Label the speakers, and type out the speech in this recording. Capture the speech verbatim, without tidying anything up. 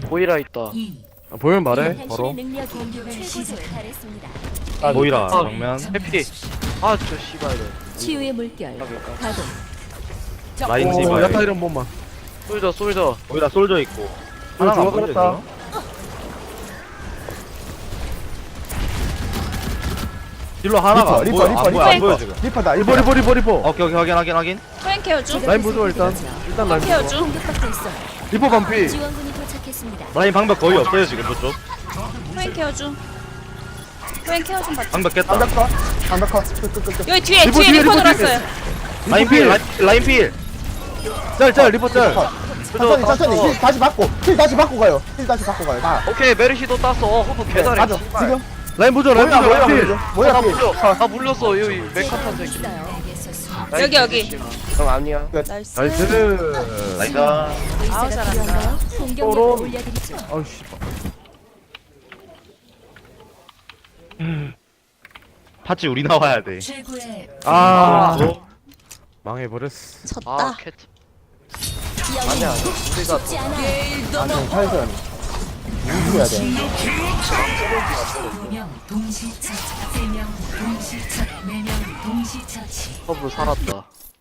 Speaker 1: 보이라 있다.
Speaker 2: 아, 보면 말해
Speaker 3: 당신의
Speaker 2: 바로.
Speaker 3: 능력이 최고조에 달했습니다.
Speaker 4: 아, 모이라
Speaker 1: 아,
Speaker 4: 정면
Speaker 1: 해피. 아, 저 씨발래.
Speaker 3: 치유의 물결 가동.
Speaker 4: 라인
Speaker 2: 오
Speaker 4: 디바
Speaker 2: 야타 이런 번만.
Speaker 1: 솔저, 솔저.
Speaker 4: 모이라 솔져 있고 하나가 안 보이죠
Speaker 2: 죽어버렸다.
Speaker 4: 지금? 딜러 하나가 안
Speaker 5: 리퍼,
Speaker 4: 보여
Speaker 5: 리퍼,
Speaker 4: 안
Speaker 5: 리퍼,
Speaker 4: 보여 안
Speaker 5: 리퍼.
Speaker 4: 보여 지금
Speaker 5: 리퍼다
Speaker 2: 리버
Speaker 5: 리퍼
Speaker 2: 리버 리버 리버.
Speaker 4: 오케이 오케이 확인 확인 확인
Speaker 6: 프랭 케어줘.
Speaker 2: 라인 보조 일단. 일단 라인
Speaker 6: 케어
Speaker 2: 보조.
Speaker 6: 중.
Speaker 3: 공격받고 있어요.
Speaker 2: 리버 반피.
Speaker 3: 지원군이 도착했습니다.
Speaker 4: 라인 방벽 거의 없어요 지금 저쪽
Speaker 6: 프랭 케어줘. 프랭 케어 좀 받자.
Speaker 4: 방벽 깼다
Speaker 5: 반박컷 반박컷 끝끝끝
Speaker 6: 여기 뒤에
Speaker 2: 리버
Speaker 6: 뒤에
Speaker 2: 뒤에,
Speaker 6: 리퍼
Speaker 2: 리버 뒤에.
Speaker 6: 들어왔어요.
Speaker 4: 라인 필 라인, 라인 필
Speaker 2: 짤짤 리버 짤.
Speaker 5: 천천히 천천히 힐 다시 받고 힐 다시 받고 가요 힐 다시 받고 가요 다
Speaker 1: 오케이, 메르시도 땄어. 어, 호프 개잘해.
Speaker 5: 가죠 지금
Speaker 2: 라인 보조 라인
Speaker 5: 뭐야
Speaker 2: 보조
Speaker 5: 뭐야
Speaker 2: 라인 필.
Speaker 5: 뭐야
Speaker 1: 아,
Speaker 5: 뭐야
Speaker 1: 나
Speaker 5: 필.
Speaker 1: 물려. 나 물렸어. 여기 메카탄 새끼.
Speaker 6: 여기, 여기.
Speaker 1: 형 아니야.
Speaker 6: 나이스.
Speaker 2: 나이스.
Speaker 4: 나이스
Speaker 6: 아우 잘한다.
Speaker 3: 공격력을
Speaker 2: 서로.
Speaker 3: 올려드리죠.
Speaker 2: 아우씨.
Speaker 4: 파츠 우리 나와야 돼
Speaker 2: 아
Speaker 4: 어?
Speaker 2: 망해버렸어.
Speaker 6: 졌다.
Speaker 1: 아, 캣. 아니야. 우리가
Speaker 3: 쉽지 않아.
Speaker 5: 안녕 타이슨 해야 돼
Speaker 1: 허브 살았다.